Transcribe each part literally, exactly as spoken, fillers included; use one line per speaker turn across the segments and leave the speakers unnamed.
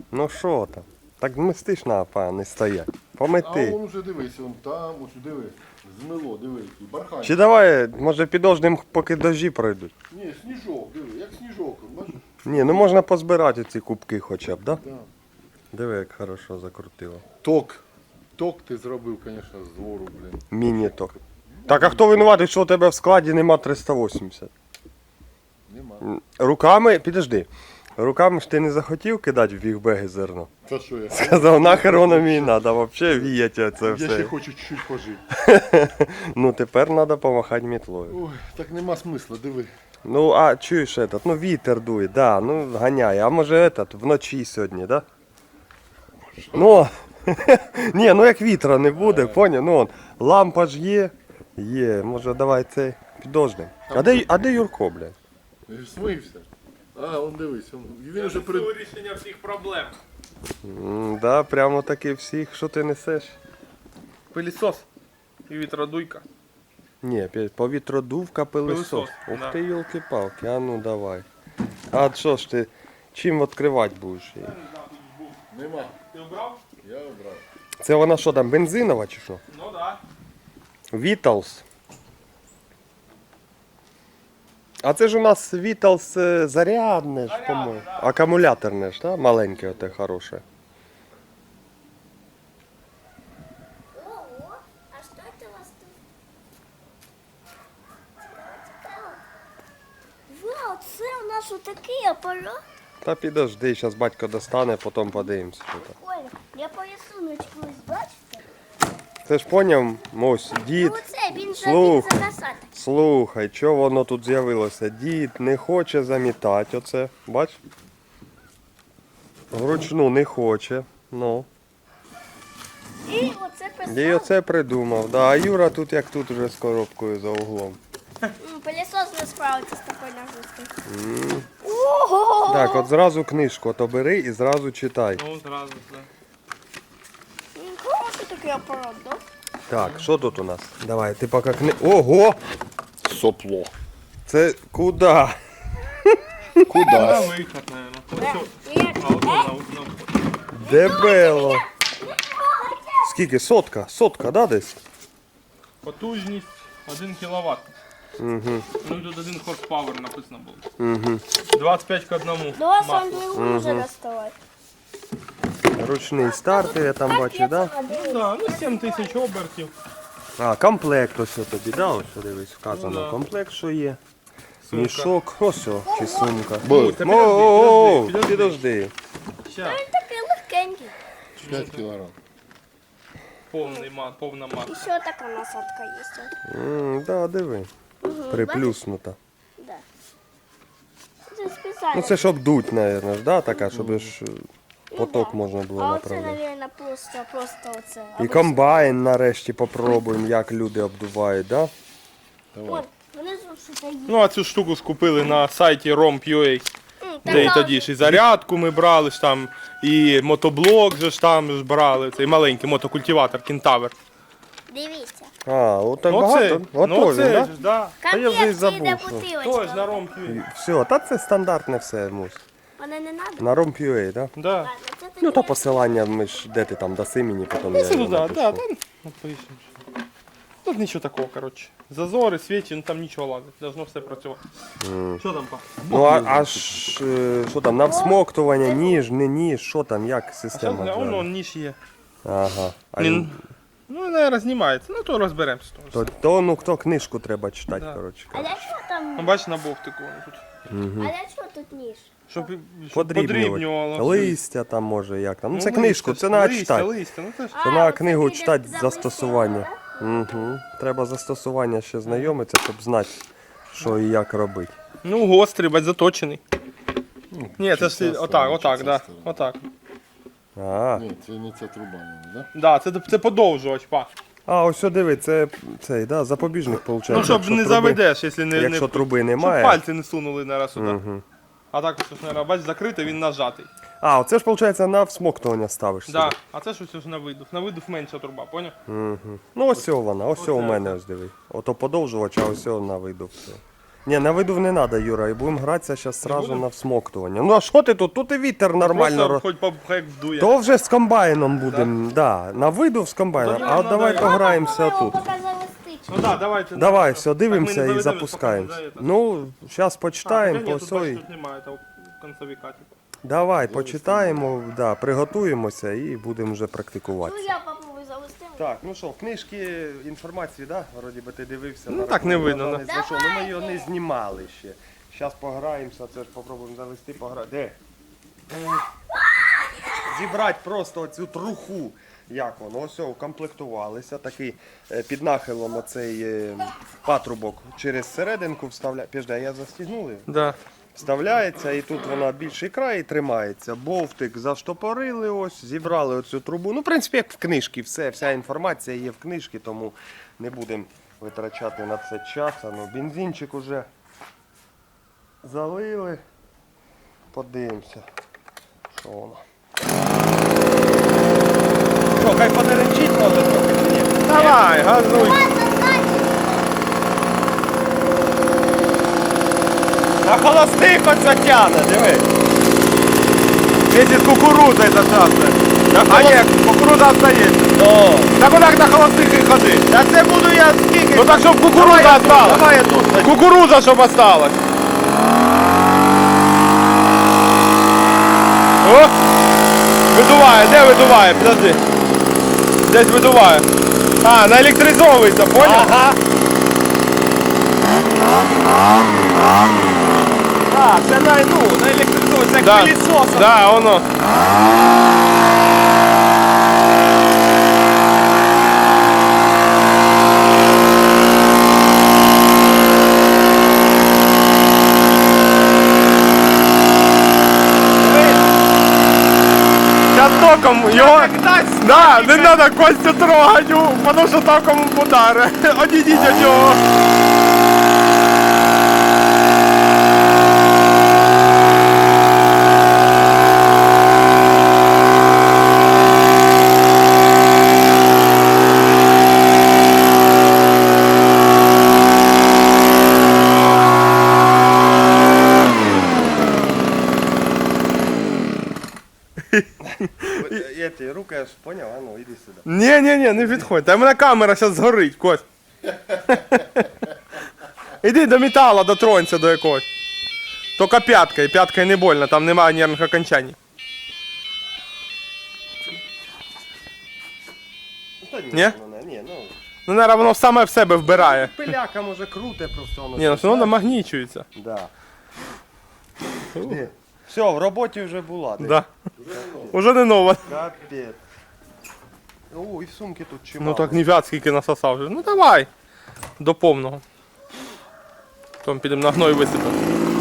Ну що там? Так мистиш на па, не стоять. Помети.
А он уже дивись, он там, ось диви. Змило, диви, який бархань.
Чи давай, може підождемо, поки дожді пройдуть?
Ні, сніжок, диви, як сніжок, бачиш?
Ні, ну можна позбирати ці кубки хоча б, да?
Да.
Диви, як хорошо закрутило.
Ток. Ток ти зробив, звісно, з вору, блін.
Міні-ток. Так, а хто винуватий, що у тебе в складі нема триста вісімдесят?
Нема.
Руками, підожди, руками ж ти не захотів кидати в бігбеги зерно?
Та що я?
Сказав, нахер воно мені треба, взагалі віяти це
Я ще
все.
хочу чуть-чуть пожити.
Ну тепер треба помахати мітлою.
Ой, так нема смисла, диви.
Ну, а чуєш этот, ну вітер дує, да, ну ганяє. А може этот, вночі сьогодні, да? Ну, ні, ну як вітра не буде, поняв? Ну, он, лампа ж є, є, може давай цей, підождемо. А де, а де Юрко, блядь?
Смився. А, он дивись, он, він уже
Це
перед...
вирішення всіх проблем.
М, да, прямо таки всіх, що ти несеш?
Пилісос і вітродуйка.
Ні, п'ять- повітродувка, пилисос.
Пилисос,
Ух
да.
ти, йолки-палки, а ну давай. А що ж ти, чим відкривати будеш її?
Нема.
Ти обрав?
Я обрав.
Це вона що там, бензинова чи що?
Ну так.
Віталс. А це ж у нас Віталс е, зарядне ж,
Зарядне,
по-моєму.
да.
Акумуляторне ж, да? Маленьке оте хороше.
Ого, а что это у вас тут? Вау, це у нас отакий апарат.
Та підожди, зараз батько достане, потім подивимося. Що там.
Прикольно. Я по рисунку ось бачите?
Це ж поняв, ось, дід.
Ну оце він же
слух.
він закасати.
Слухай, що воно тут з'явилося? Дід не хоче замітати оце, бач? Вручну не хоче. Ну.
І оце
І
писав.
оце придумав. Да, а Юра тут як тут вже з коробкою за углом.
М, Пилісос не справиться з такою нагрузкою. Ого!
Так, от зразу книжку то бери і зразу читай.
Ну зразу все.
М, Хороший такий апарат, да?
Так, що тут у нас? Давай, ти поки кни... Ого!
Сопло.
Це куди?
Куда?
На виход, мабуть. Ось,
І як-
а ото на, на вход.
Дебело. Скільки? Сотка? Сотка, да, десь?
Потужність один кіловат.
Угу.
Ну і тут один хорспауер написано було.
Угу.
двадцять п'ять к одному.
До вас
масло.
Андрій може доставати.
Ручний стартер, я там бачу, да?
Ну да, ну сім тисяч обертів.
А, комплект ось тобі, да? Ось дивись, вказано.
Ну, да.
Комплект, що є.
Сумка.
Мішок, ось о, чи сумка.
Ой, та
О, о, о,
підожди, підожди,
підожди.
Ща,
Він такий легкенький.
п'ять кілограм.
повний мат, повна
І
маса.
ще така насадка є.
М, да, диви. Приплюснута.
Да. Це спеціально.
Ну це щоб дуть, мабуть, ж, да, така, щоб ж
Ну,
поток
да.
можна було
А оце,
направляти.
мабуть, просто, просто оце.
І комбайн нарешті попробуємо, як люди обдувають, да?
От, внизу що є.
Ну а цю штуку скупили на сайті ром точка ю а.
М,
Де і
така
тоді ж і зарядку ми брали ж там, і мотоблок же ж там ж брали, цей маленький мотокультиватор Кентавр.
Дивіться.
А, от так
Ну
багато?
оце,
Ото
ну
він,
оце
да?
ж, да.
А я вже й
Конфетки
забув,
йде
що.
бутилочка.
Тож на ром точка ю а.
Все, та це стандартне все, мусь.
Мене не треба?
На ром.ua, да?
Да.
Ладно, це тоді
Ну то
я-
посилання, ми ж, де ти там даси мені, потім я
Ну,
його
да,
напишу.
да, там напишемо. Тут нічого такого, коротше. Зазори, свічі, ну там нічого ладить. Должно все працювати. Що там, па?
Ну а аж, е, що там, на всмоктування, ніж, не ніж, що там, як
А що,
система?
воно
взагалі?
ніж є.
Ага. А
Він,
він-
ну, наверное, знімається. Ну, то розберемося.
то, то, ну, хто книжку треба читати,
Да.
коротше.
А для чого там?
Ну, бачиш на бовтику воно тут.
А для чого тут ніж?
Щоб, щоб
Подрібнювати.
подрібнювало.
Листя там може, як там. Ну,
Ну,
це книжку,
листя,
це треба
листя,
читати.
листя, ну це ж.
Це
А,
на
оце
книгу
ти
читати
записала,
застосування.
да?
Угу. Треба застосування ще знайомитися, щоб знати, що і як робити.
Ну, гострий, бать, заточений. Ні, це ж
часа
отак,
сторона,
отак,
часа
да.
сторона.
Отак.
А,
Ні, це не ця труба, да?
Да, це, це подовжувач, па.
а ось що диви, це цей, да, запобіжник, виходить.
Ну, щоб не заведеш, якщо не,
Якщо
не...
труби
Щоб
немає.
пальці не сунули нараз сюди.
Угу.
А так ось, наверное, бач, закритий, він нажатий.
А, оце ж, виходить, на всмоктування ставиш
Да.
сюди.
А це ж ось на видув. На видув менша труба, поняв?
Угу. Ну ось цього вона, ось цього у
Оце.
мене ось диви. Ото подовжувач, а ось цього на виду все. Ні, на виду не треба, Юра, і будемо гратися зараз сразу на всмоктування. Ну а що ти тут? Тут і вітер нормально.
Просто
роз-
хоч по як вдує.
То вже з комбайном будемо, да. На виду з комбайном.
Та ні,
А от
ну,
давай
да,
пограємося
Його
тут.
поки завести.
Ну да, давайте.
Давай,
Так,
все,
ми
дивимося
не
і
заведемо,
запускаємося.
поки не заведемо.
Ну, зараз
А,
почитаємо,
та
по
ні, тут, бачиш,
всій.
тут немає того концовика. Типу.
Давай, почитаємо, да, приготуємося і будемо вже практикувати.
Ну я попробую завести.
Так, ну що, в книжки інформації, да? Вроді би ти дивився.
Ну,
на
так не видно,
рахунок
да.
даних знайшов. Ну ми його не знімали ще. Зараз пограємося, це ж попробуємо завести, пограти. Де? Зібрати просто оцю труху. Як воно? Ось, укомплектувалися. Такий е, під нахилом оцей е, патрубок через серединку вставляє. Піжди, а я застігнули? його?
Да.
Вставляється і тут вона більший край і тримається. Бовтик заштопорили ось, зібрали оцю трубу. Ну, в принципі, як в книжці, все, вся інформація є в книжці, тому не будемо витрачати на це час. А ну, бензинчик уже залили. Подивимося, що воно. Що, хай подеренчить може трохи чи ні?
Давай, газуй.
На холостих оце тяне, диви. Вместе з кукурудзою це часто. А ні, кукурудза остається. Ну.
Так отак на холостих і ходи.
Та це буду я скільки.
Ну так щоб кукурудза осталась.
Давай я тут.
Кукурудза щоб осталась. О! Видуває, де видуває? Подожди. Десь видуває. А, наелектризовується, понял?
Ага. А, це на, ну, на електризовується, як
Да.
пилісосом.
Да, воно. Сейчас током його... Да, не треба Костю трогати, тому що током удари. Одійдіть від нього.
Я ті руки аж поняв, а ну, іди сюди.
Ні, ні, ні, не підходь. Та в мене камера зараз згорить, Кость. Іди до металу, дотронься до якогось. Тільки п'яткою, п'яткою не больно, там немає нервних окончань.
Та ні,
Ні?
ну, не, ні, ну.
Ну, наверное, воно саме в себе вбирає.
Пиляка може круте просто воно.
Ні, ну все одно намагнічується.
Да. Все, в роботі вже була. десь.
Да. Уже не нова.
Капець. О, і в сумки тут чимало.
Ну так не в'ят скільки насосав вже. Ну давай. До повного. Потім підемо на гной висипемо.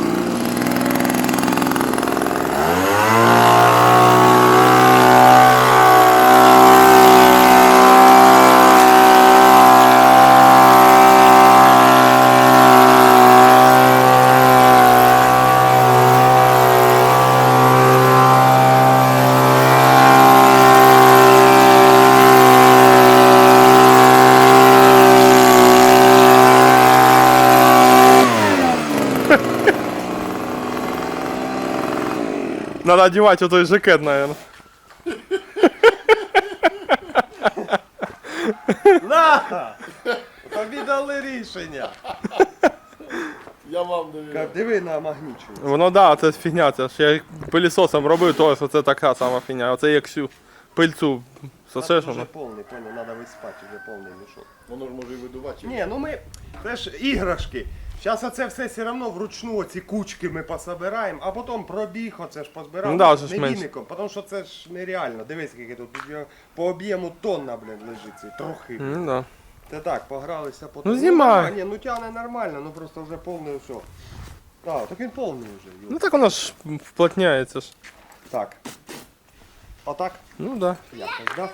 Надо одевать вот той жакет, наверное.
На! Тобі дали рішення.
Я вам довіряю.
Диви на магнічу.
Воно да, це фігня, це ж я пилісосом робив, то ось це така сама фігня. Оце як всю пильцю сосеш
Вже
воно.
повний, понял, треба виспати, вже повний мішок.
Воно ж може і видувати.
Ні, ну ми, це ж іграшки. Зараз оце все все одно вручну оці кучки ми пособираємо, а потім пробіг, оце ж позбираємо.
Ну да, вже ж
не
менше.
віником, тому що це ж нереально. Дивись, скільки тут тут його по об'єму тонна, блін, лежить цей трохи.
Ну да.
Це так, погралися по
Ну, знімай.
нормально, ні, ну тягне нормально, ну просто вже повний все. Так, так він повний вже. Юр.
Ну так воно ж вплотняється ж.
Так. Отак?
Ну да.
Якось, да?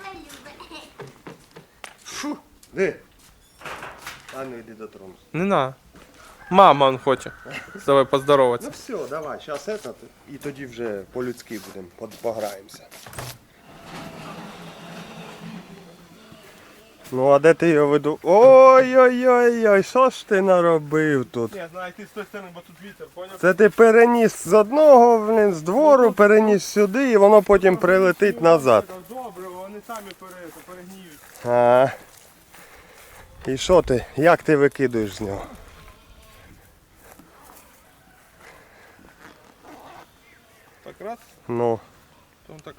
Фу, де? А ну йди дотронусь.
Не на. Мама он хоче. З тобою
Ну
поздороватися.
все, давай, зараз этот, і тоді вже по-людськи будемо, под- пограємося. Ну а де ти його веду? Ой-ой-ой-ой, що ж ти наробив тут?
Ні, знаю, ти з тої сторони, бо тут вітер, поняв?
Це ти переніс з одного, блін, з двору, переніс сюди і воно потім прилетить назад.
Добре, вони самі пере- перегніють.
А. І що ти? Як ти викидуєш з нього?
Так раз,
Ну.
то так.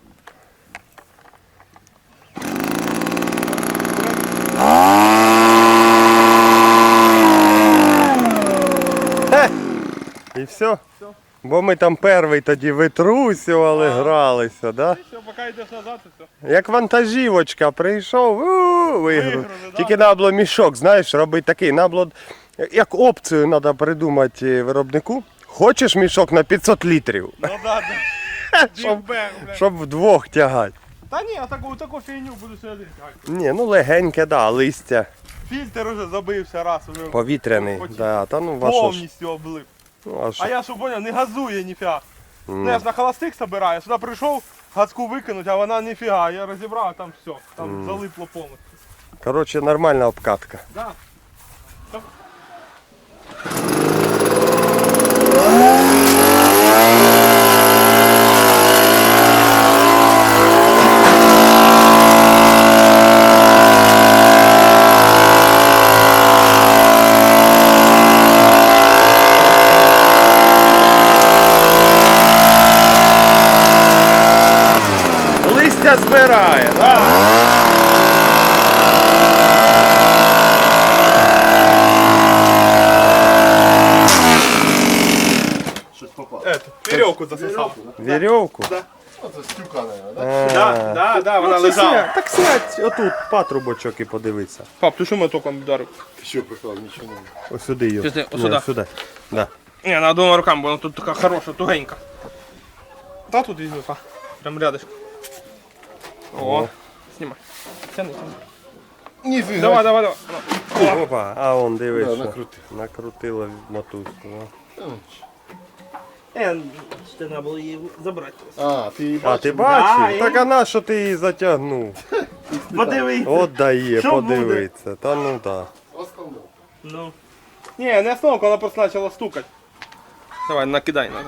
Хе! І все? Бо ми там перший тоді витрусювали, гралися, да?
Все, поки йдеш назад, і все.
Як вантажівочка прийшов, у, виграв.
Виграли, да.
Тільки треба було мішок, знаєш, робити такий. Треба було, як опцію треба придумати виробнику. Хочеш мішок на п'ятсот літрів,
Ну да, да.
щоб,
Бігбег, блядь.
щоб вдвох тягати.
Та ні, а таку, таку фігню буду сюди тягати.
Ні, ну легеньке, да, листя.
Фільтр уже забився раз, уже
Повітряний.
Потім
Да, та ну вашо ж.
повністю облив.
Ну, а що?
А я що поняв, не газує ніфіга. Ну я ж на холостих собираю, сюди прийшов, газку викинуть, а вона ніфіга. Я розібрав, а там все, там залипло повністю.
Коротше, нормальна обкатка.
Да.
Листя збирає, да?
Щось попало.
Ето, вірьовку засосав.
Вірьовку?
Оце стюка, мабуть, да?
А.
Да, да, да, вона
Ну, це
лежала.
сядь, так сядь, отут патрубочок і подивися.
Пап, ти що мене током вдарив?
Ти що приклав, нічого не.
Ось сюди його.
Сюди, ось
Ні,
сюди.
сюди. Да.
Ні, на двома руками, бо вона тут така хороша, тугенька. Та тут візьми, па. Прям рядышком. О, знімай. Тяни, тяни.
Ніфіга.
Давай, давай, давай. О.
Опа, а он дивись.
Да,
що
накрутив.
Накрутила мотузку. да.
Е, ще треба було її забрати.
А, ти її
А
бачив?
ти бачив?
Да,
Так а на що ти її затягнув?
Подивись.
От дає,
Що буде?
подивиться. Та ну так.
Осколок.
Ну. Не, не остановка, вона просто почала стукати. Давай, накидай надо.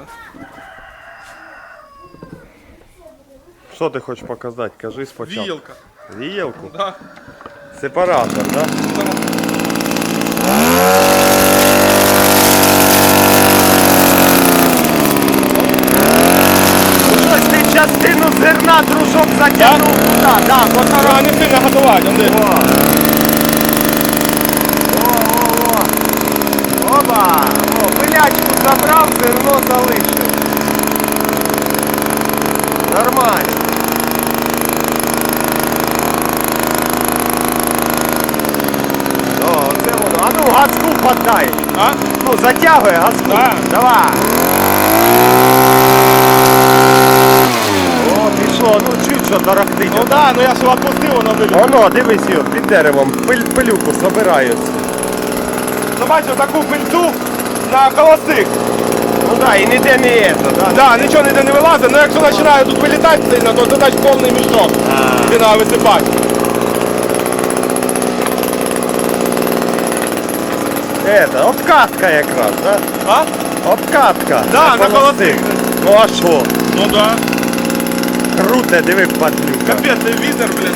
Що ти хочеш показати? Кажи спочатку.
Віялка.
Віялку?
Да.
Сепаратор, так? Да? Щось ти частину зерна дружок затягнув туди. Да, бо
А, не сильно готувати, Андрій.
О! О-о-о! Оба! О, пилячку забрав, зерно залишив. Нормально. О, це воно. А ну газку подай.
А?
Ну, затягуй газку.
Да.
Давай. О, пішло. Ну, чуть що тарахтить.
Ну да, ну я ж відпустив, воно виліз.
Воно, дивись, Юр, під деревом, пиль, пилюку собирають.
Ну бачив таку пильцу на холостих.
Ну да, і ніде не є, да?
Да, нічого ніде не вилазить, але якщо починає тут вилітати сильно, то це значить повний мішок. Ти треба висипати.
Это, обкатка якраз, да?
А?
Обкатка.
Да,
Це
на
холостик.
холостих.
Ну а що?
Ну да.
Круте, диви, падлюка.
Капець, це вітер, блін.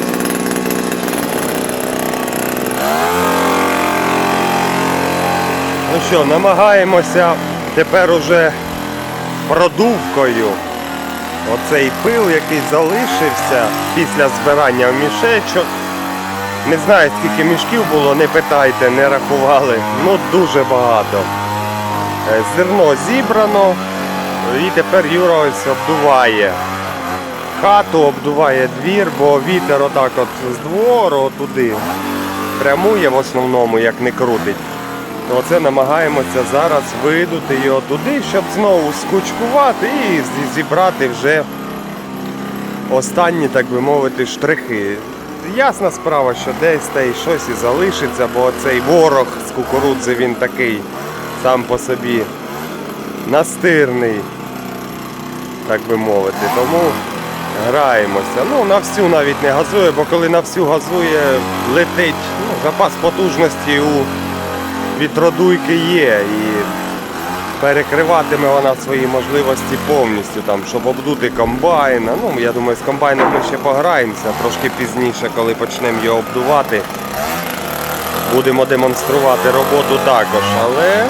Ну що, намагаємося тепер уже продувкою оцей пил, який залишився після збирання в мішечок. Не знаю, скільки мішків було, не питайте, не рахували. Ну дуже багато. Е, Зерно зібрано і тепер Юра ось обдуває хату, обдуває двір, бо вітер отак от з двору туди прямує в основному, як не крутить. То оце намагаємося зараз видути його туди, щоб знову скучкувати і зі- зібрати вже останні, так би мовити, штрихи. Ясна справа, що десь та й щось і залишиться, бо цей ворог з кукурудзи, він такий сам по собі настирний, так би мовити. Тому Граємося. Ну, на всю навіть не газує, бо коли на всю газує, летить. Ну, запас потужності у вітродуйки є. І перекриватиме вона свої можливості повністю, там, щоб обдути комбайна. Ну, я думаю, з комбайном ми ще пограємося трошки пізніше, коли почнемо його обдувати. Будемо демонструвати роботу також, але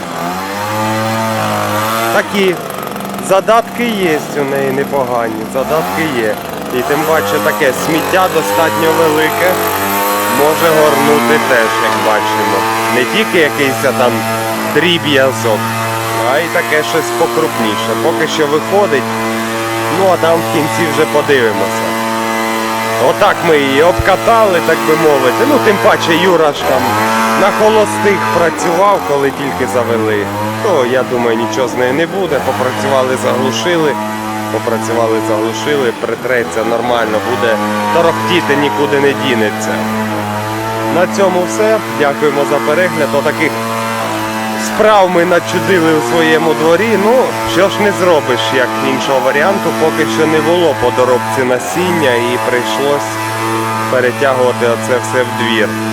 такі задатки є у неї непогані, задатки є. І тим паче таке сміття достатньо велике, може горнути теж, як бачимо. Не тільки якийсь там дріб'язок, а й таке щось покрупніше. Поки що виходить, ну а там в кінці вже подивимося. Отак ми її обкатали, так би мовити. Ну, тим паче Юра ж там на холостих працював, коли тільки завели. То, я думаю, нічого з нею не буде. Попрацювали, заглушили. Попрацювали, заглушили, притреться нормально, буде торохтіти, нікуди не дінеться. На цьому все. Дякуємо за перегляд. Отаких справ ми начудили у своєму дворі. Ну, що ж не зробиш, як іншого варіанту, поки що не було по доробці насіння і прийшлось перетягувати оце все в двір.